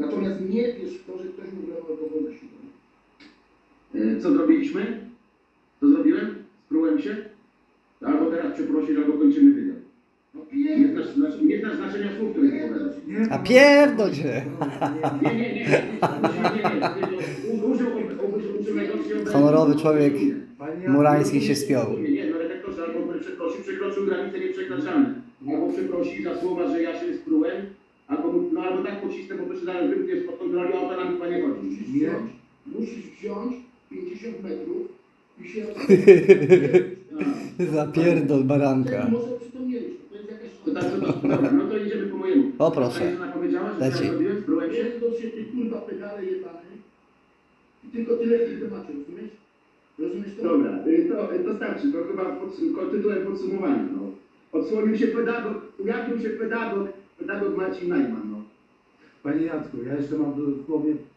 Natomiast nie wiesz w to, że ktoś mu wlewał alkohol na siłę. Co zrobiliśmy? Co zrobiłem? Sprółem się? Albo teraz przeprosić, albo kończymy wywiad. No Nie znasz znaczenia słów, które wypowiadasz. A pierdol się! Nie. Użył najgorszej obrazy. Honorowy człowiek Panie Murański się spiął. Nie, no redaktorze, albo przeprosił, przekroczył granice nieprzekraczalne. Albo przeprosi za słowa, że ja się sprułem, albo tak pocisnę, bo to się zaraz wymknie spod kontroli, a o to nam chyba nie chodzi. Musisz wziąć 50 metrów i się... Zapierdol baranka. Może przypomnieliśmy, to jest jakaś... To tak, dobra, no to idziemy po mojemu. O, proszę. Pani żona powiedziała, że Leci. co ja zrobiłem, sprułem się? Pierdol się ty kurwa pedale jebany. I tylko tyle w tym temacie, rozumiesz? Rozumiesz to? Dobra, to starczy, to chyba tytułem podsumowania. No. Odsłonił się pedagog, ujawnił się pedagog Marcin Najman. No. Panie Jacku, ja jeszcze mam w głowie